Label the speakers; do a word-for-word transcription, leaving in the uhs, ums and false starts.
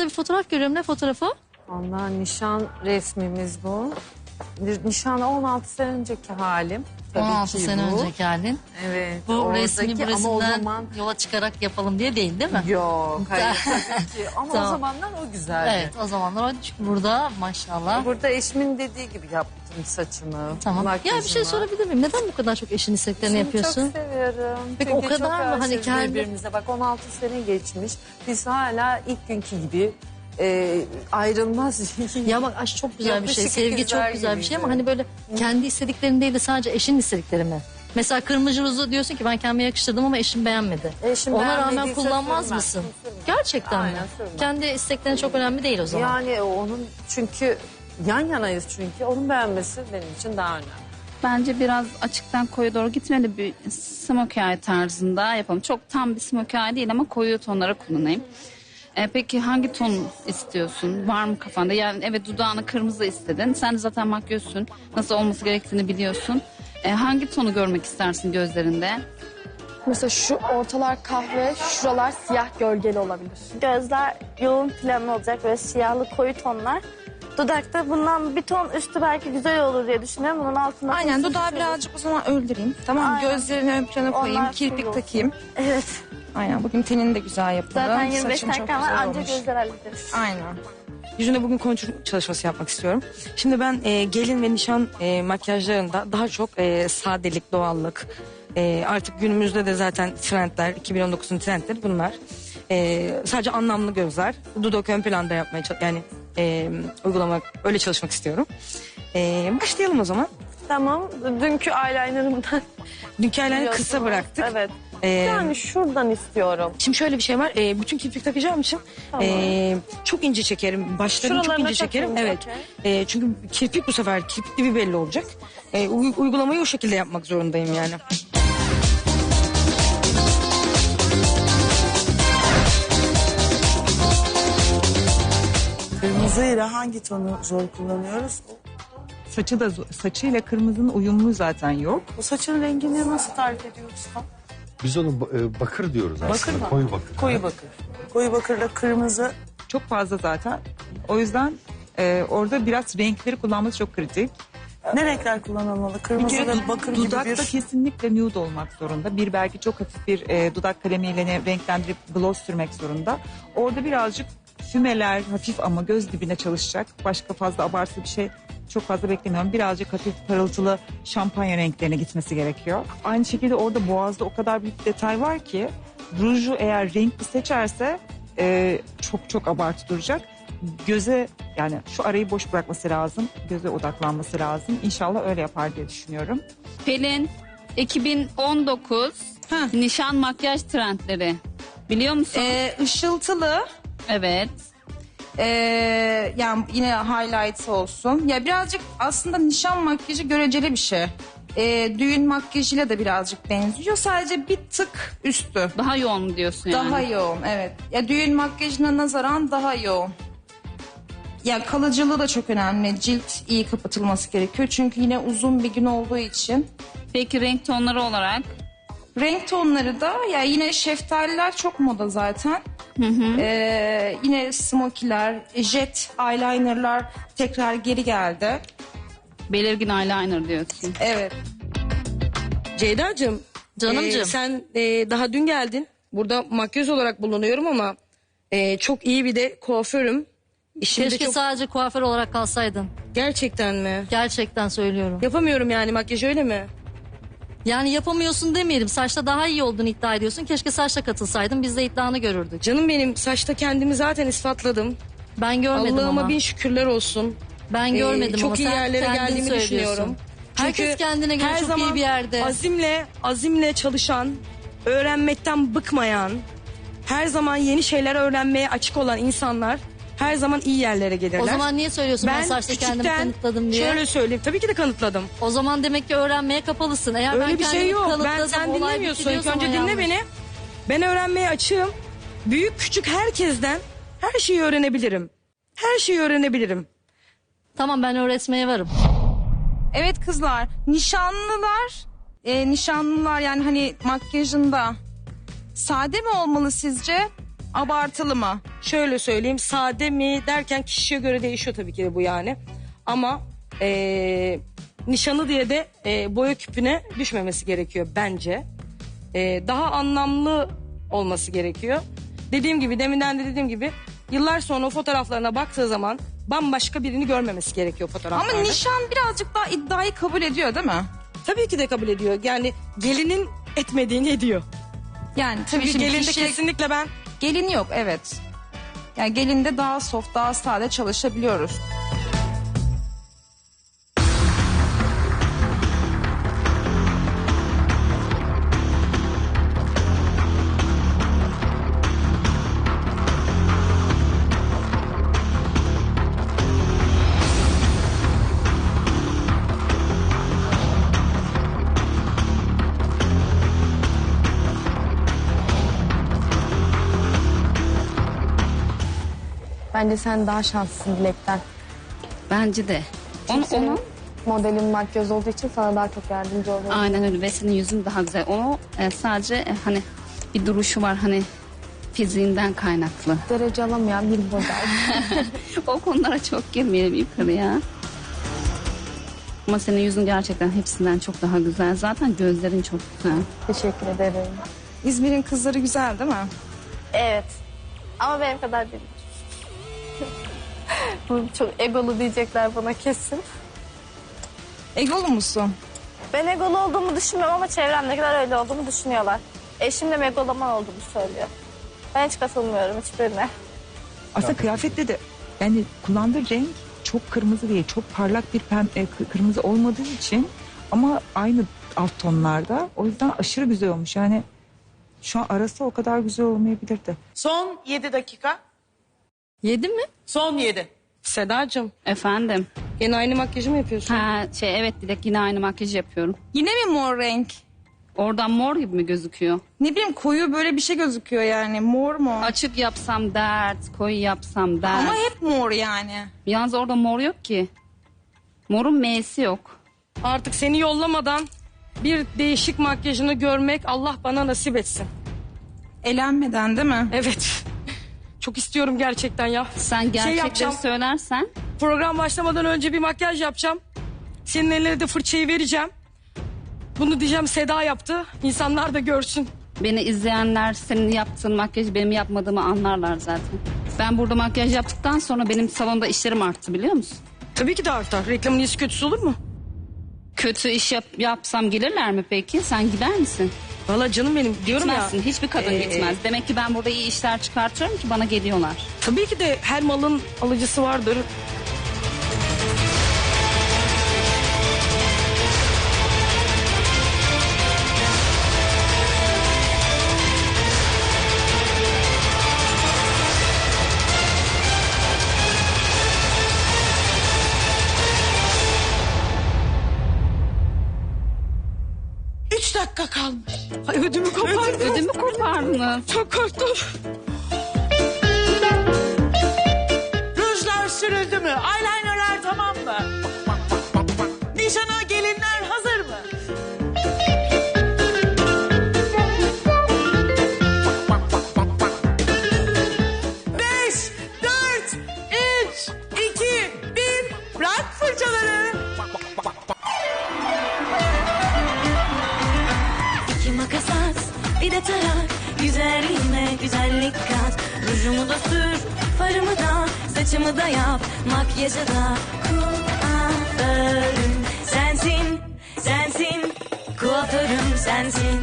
Speaker 1: ekranda bir fotoğraf görüyorum. Ne fotoğrafı?
Speaker 2: Ondan nişan resmimiz bu. Nişan on altı sene önceki halim. Tabii
Speaker 1: on altı
Speaker 2: ki
Speaker 1: sene
Speaker 2: bu.
Speaker 1: önceki halin.
Speaker 2: Evet.
Speaker 1: Bu
Speaker 2: oradaki,
Speaker 1: resmi bu
Speaker 2: ama o
Speaker 1: resimden
Speaker 2: zaman...
Speaker 1: yola çıkarak yapalım diye değil değil mi?
Speaker 2: Yok hayır tabii ki. Ama
Speaker 1: Tamam.
Speaker 2: o zamanlar o güzeldi.
Speaker 1: Evet o zamanlar o çünkü burada maşallah.
Speaker 2: Burada eşimin dediği gibi yaptım saçımı.
Speaker 1: Tamam. Ya bir şey
Speaker 2: makyajımı.
Speaker 1: sorabilir miyim? Neden bu kadar çok eşin isteklerini
Speaker 2: Eşimi
Speaker 1: yapıyorsun?
Speaker 2: çok seviyorum.
Speaker 1: Peki
Speaker 2: Çünkü
Speaker 1: o kadar
Speaker 2: çok
Speaker 1: mı? Hani
Speaker 2: aşığız
Speaker 1: kendi-
Speaker 2: birbirimize. Bak on altı sene geçmiş. Biz hala ilk günkü gibi e, ayrılmaz.
Speaker 1: Ya bak aşk çok güzel bir şey.
Speaker 2: Yapışık
Speaker 1: Sevgi
Speaker 2: ikizler
Speaker 1: çok güzel bir şey ama
Speaker 2: gibiydi.
Speaker 1: hani böyle kendi istediklerin değil de sadece eşin istedikleri mi? Mesela kırmızı ruzu diyorsun ki ben kendime yakıştırdım ama eşim beğenmedi.
Speaker 2: Eşim
Speaker 1: Ona rağmen
Speaker 2: beğenmediyse
Speaker 1: kullanmaz
Speaker 2: sürmem,
Speaker 1: mısın?
Speaker 2: sürmem.
Speaker 1: Gerçekten mi?
Speaker 2: Aynen, sürmem.
Speaker 1: Kendi isteklerin çok önemli değil o zaman.
Speaker 2: Yani onun çünkü yan yanayız çünkü. Onun beğenmesi benim için daha önemli.
Speaker 3: Bence biraz açıktan koyu doğru gitmeli, bir smokey eye tarzında yapalım. Çok tam bir smokey eye değil ama koyu tonlara kullanayım. Ee, peki hangi ton istiyorsun? Var mı kafanda? Yani evet dudağını kırmızı istedin. Sen de zaten makyözsün. Nasıl olması gerektiğini biliyorsun. Ee, hangi tonu görmek istersin gözlerinde?
Speaker 4: Mesela şu ortalar kahve, şuralar siyah gölgeli olabilir.
Speaker 5: Gözler yoğun planlı olacak, böyle siyahlı koyu tonlar. Dudakta bundan bir ton üstü belki güzel olur diye düşünüyorum. Bunun altında...
Speaker 6: Aynen dudağı birazcık o zaman öldüreyim. Tamam mı?
Speaker 5: Aynen.
Speaker 6: Gözlerini ön plana koyayım.
Speaker 5: Onlar
Speaker 6: Kirpik
Speaker 5: full
Speaker 6: takayım.
Speaker 5: Evet.
Speaker 6: Aynen bugün tenini de güzel yapalım.
Speaker 5: Zaten yirmi beş
Speaker 6: Saçın çok
Speaker 5: dakika var,
Speaker 6: güzel
Speaker 5: anca
Speaker 6: olmuş.
Speaker 5: gözler hallederiz.
Speaker 6: Aynen. Yüzüne bugün kontur çalışması yapmak istiyorum. Şimdi ben e, gelin ve nişan e, makyajlarında daha çok e, sadelik, doğallık. E, artık günümüzde de zaten trendler, iki bin on dokuzun trendleri bunlar. E, sadece anlamlı gözler. Dudak ön planda yapmaya çalış- yani e, uygulamak, öyle çalışmak istiyorum. E, başlayalım o zaman.
Speaker 5: Tamam, dünkü eyelinerımdan
Speaker 6: Dünkü eyeliner'ı kısa
Speaker 5: biliyorsunuz.
Speaker 6: bıraktık.
Speaker 5: Evet.
Speaker 6: E,
Speaker 5: Yani şuradan istiyorum.
Speaker 6: Şimdi şöyle bir şey var. E, bütün kirpik takacağım için
Speaker 5: Tamam.
Speaker 6: e, çok ince çekerim. Başlarını çok
Speaker 5: Şuralarına
Speaker 6: ince çekerim.
Speaker 5: takayım,
Speaker 6: Evet.
Speaker 5: okey.
Speaker 6: E, çünkü kirpik bu sefer kirpik gibi belli olacak. E, uy- uygulamayı o şekilde yapmak zorundayım yani.
Speaker 7: Kırmızıyla hangi tonu zor kullanıyoruz?
Speaker 8: Saçı da saçıyla kırmızının uyumlu zaten yok.
Speaker 7: Bu saçın rengini nasıl tarif ediyoruz tam?
Speaker 9: Biz onu e, bakır diyoruz aslında.
Speaker 7: Bakır mı?
Speaker 9: Koyu bakır.
Speaker 7: Koyu bakır. Koyu bakırla kırmızı.
Speaker 8: Çok fazla zaten. O yüzden e, orada biraz renkleri kullanması çok kritik.
Speaker 7: Ne renkler kullanılmalı?
Speaker 8: Bir
Speaker 7: Kırmızı
Speaker 8: kere
Speaker 7: da bakır gibi
Speaker 8: dudakta
Speaker 7: bir...
Speaker 8: kesinlikle nude olmak zorunda. Bir belki çok hafif bir e, dudak kalemiyle ne- renklendirip gloss sürmek zorunda. Orada birazcık fümeler hafif ama göz dibine çalışacak. Başka fazla abartılı bir şey çok fazla beklemiyorum. Birazcık hafif parıltılı şampanya renklerine gitmesi gerekiyor. Aynı şekilde orada boğazda o kadar büyük detay var ki ruju eğer renkli seçerse e, çok çok abartı duracak. Göze yani şu arayı boş bırakması lazım. Göze odaklanması lazım. İnşallah öyle yapar diye düşünüyorum.
Speaker 3: Pelin, iki bin on dokuz nişan makyaj trendleri. Biliyor musun?
Speaker 6: E, ışıltılı.
Speaker 3: Evet.
Speaker 6: e, yani yine highlight olsun. Ya birazcık aslında nişan makyajı göreceli bir şey. E, düğün makyajıyla da birazcık benziyor. Sadece bir tık üstü.
Speaker 3: Daha yoğun mu diyorsun yani?
Speaker 6: Daha yoğun evet. Ya düğün makyajına nazaran daha yoğun. Ya kalıcılığı da çok önemli. Cilt iyi kapatılması gerekiyor. Çünkü yine uzun bir gün olduğu için.
Speaker 3: Peki renk tonları olarak?
Speaker 6: Renk tonları da ya yine şeftaliler çok moda zaten.
Speaker 3: Hı hı.
Speaker 6: Ee, yine smokiler, jet eyelinerlar tekrar geri geldi.
Speaker 3: Belirgin eyeliner diyorsun.
Speaker 6: Evet.
Speaker 10: Ceyda'cığım.
Speaker 1: Canımcığım.
Speaker 10: e, sen e, daha dün geldin. Burada makyöz olarak bulunuyorum ama e, çok iyi bir de kuaförüm. İşimde
Speaker 1: Keşke
Speaker 10: çok...
Speaker 1: sadece kuaför olarak kalsaydın.
Speaker 10: Gerçekten mi?
Speaker 1: Gerçekten söylüyorum.
Speaker 10: Yapamıyorum yani makyaj öyle mi?
Speaker 1: Yani yapamıyorsun demeyelim. Saçta daha iyi olduğunu iddia ediyorsun. Keşke saçta katılsaydın. Biz de iddianı görürdük.
Speaker 10: Canım benim saçta kendimi zaten ispatladım.
Speaker 1: Ben görmedim
Speaker 10: Allah'ıma
Speaker 1: ama.
Speaker 10: bin şükürler olsun.
Speaker 1: Ben
Speaker 10: Ee,
Speaker 1: görmedim
Speaker 10: çok
Speaker 1: ama
Speaker 10: iyi
Speaker 1: sen
Speaker 10: yerlere
Speaker 1: kendin
Speaker 10: geldiğimi
Speaker 1: söylüyorsun.
Speaker 10: düşünüyorum.
Speaker 1: Herkes
Speaker 10: Çünkü
Speaker 1: kendine göre
Speaker 10: her
Speaker 1: çok
Speaker 10: zaman
Speaker 1: iyi bir yerde.
Speaker 10: Azimle, azimle çalışan, öğrenmekten bıkmayan, her zaman yeni şeyler öğrenmeye açık olan insanlar her zaman iyi yerlere gelirler.
Speaker 1: O zaman niye söylüyorsun ben, saçta kendimi
Speaker 10: küçükten
Speaker 1: kanıtladım diye?
Speaker 10: Şöyle söyleyeyim. Tabii ki de kanıtladım.
Speaker 1: O zaman demek ki öğrenmeye kapalısın. Eğer
Speaker 10: Öyle
Speaker 1: ben
Speaker 10: bir şey
Speaker 1: kendimi
Speaker 10: yok. Ben
Speaker 1: kanıtladım,
Speaker 10: sen
Speaker 1: olay
Speaker 10: dinlemiyorsun.
Speaker 1: bitti
Speaker 10: İlk
Speaker 1: diyorsam
Speaker 10: önce
Speaker 1: o
Speaker 10: dinle
Speaker 1: yanlış.
Speaker 10: beni. Ben öğrenmeye açığım. Büyük küçük herkesten her şeyi öğrenebilirim. Her şeyi öğrenebilirim.
Speaker 1: Tamam ben öğretmeye varım.
Speaker 6: Evet kızlar, nişanlılar, e, nişanlılar yani hani makyajında sade mi olmalı sizce?
Speaker 11: Abartılı mı?
Speaker 10: Şöyle söyleyeyim, sade mi derken kişiye göre değişiyor tabii ki de bu yani. Ama eee, nişanı diye de eee, boya küpüne düşmemesi gerekiyor bence. Eee, daha anlamlı olması gerekiyor. Dediğim gibi, deminden de dediğim gibi, yıllar sonra o fotoğraflarına baktığı zaman bambaşka birini görmemesi gerekiyor fotoğraflarda.
Speaker 11: Ama nişan birazcık daha iddiayı kabul ediyor değil mi?
Speaker 10: Tabii ki de kabul ediyor. Yani gelinin etmediğini ediyor.
Speaker 11: Yani tabii
Speaker 10: Çünkü
Speaker 11: şimdi
Speaker 10: gelinde
Speaker 11: kişi-
Speaker 10: kesinlikle ben
Speaker 11: Gelin yok, evet. Yani gelinde daha soft, daha sade çalışabiliyoruz.
Speaker 4: Bence sen daha şanslısın Dilek'ten.
Speaker 3: Bence de. Onu,
Speaker 4: Çünkü senin
Speaker 3: onu
Speaker 4: modelin makyöz olduğu için sana daha çok yardımcı oluyor.
Speaker 3: aynen öyle ve senin yüzün daha güzel. O e, sadece e, hani bir duruşu var hani fiziğinden kaynaklı.
Speaker 4: Derece alamayan bir model.
Speaker 3: O konulara çok girmeyelim yukarıya. Ama senin yüzün gerçekten hepsinden çok daha güzel. Zaten gözlerin çok güzel.
Speaker 4: Teşekkür ederim.
Speaker 11: İzmir'in kızları güzel değil mi?
Speaker 5: Evet. Ama benim kadar değil. Bu çok egolu diyecekler bana kesin.
Speaker 11: Egolu musun?
Speaker 5: Ben egolu olduğumu düşünmüyorum ama çevremdekiler öyle olduğumu düşünüyorlar. Eşim de megaloman olduğumu söylüyor. Ben hiç katılmıyorum hiçbirine.
Speaker 8: Aslında kıyafette de yani kullandığı renk çok kırmızı değil. Çok parlak bir pem, e, kı- kırmızı olmadığı için ama aynı alt tonlarda. O yüzden aşırı güzel olmuş. Yani şu an arası o kadar güzel olmayabilirdi.
Speaker 7: Son yedi dakika.
Speaker 1: Yedi mi?
Speaker 7: Son yedi.
Speaker 10: Sedacığım,
Speaker 3: Efendim.
Speaker 10: yine aynı makyajı mı yapıyorsun?
Speaker 3: Ha şey evet Dilek yine aynı makyajı yapıyorum.
Speaker 11: Yine mi mor renk?
Speaker 3: Oradan mor gibi mi gözüküyor?
Speaker 11: Ne bileyim koyu böyle bir şey gözüküyor yani. Mor mu?
Speaker 3: Açık yapsam dert, koyu yapsam dert.
Speaker 11: Ama hep mor yani.
Speaker 3: Yalnız orada mor yok ki. Morun M'si yok.
Speaker 10: Artık seni yollamadan bir değişik makyajını görmek Allah bana nasip etsin.
Speaker 11: Elenmeden değil mi?
Speaker 10: Evet. Çok istiyorum gerçekten ya.
Speaker 3: Sen gerçekleri
Speaker 10: yapacağım.
Speaker 3: söylersen
Speaker 10: Program başlamadan önce bir makyaj yapacağım. Senin eline de fırçayı vereceğim. Bunu diyeceğim Seda yaptı. İnsanlar da görsün.
Speaker 3: beni izleyenler senin yaptığın makyajı benim yapmadığımı anlarlar zaten. Ben burada makyaj yaptıktan sonra benim salonda işlerim arttı biliyor musun?
Speaker 10: Tabii ki de artar. Reklamın iyisi kötüsü olur mu?
Speaker 3: Kötü iş yap, yapsam gelirler mi peki? Sen gider misin?
Speaker 10: Valla canım benim diyorum
Speaker 3: Gitmezsin.
Speaker 10: ya.
Speaker 3: Hiçbir kadın
Speaker 10: Ee,
Speaker 3: gitmez. Demek ki ben burada iyi işler çıkartıyorum ki bana geliyorlar.
Speaker 10: Tabii ki de her malın alıcısı vardır.
Speaker 7: Üç dakika kalmış.
Speaker 10: Ay ödümü kopardı.
Speaker 3: Ödümü kopardınız.
Speaker 10: Çok korktum.
Speaker 7: Rujlar sürüldü mü? Eyelinerler tamam mı? Nişana gelinler hazır mı? Beş, dört, üç, iki, bir. Bırak fırçaları.
Speaker 12: İki makas at, bir de tarak. Güzelliğime güzellik kat. Rujumu da sür, farımı da, saçımı da yap. Makyajı da kuaförüm sensin, sensin. Kuaförüm sensin.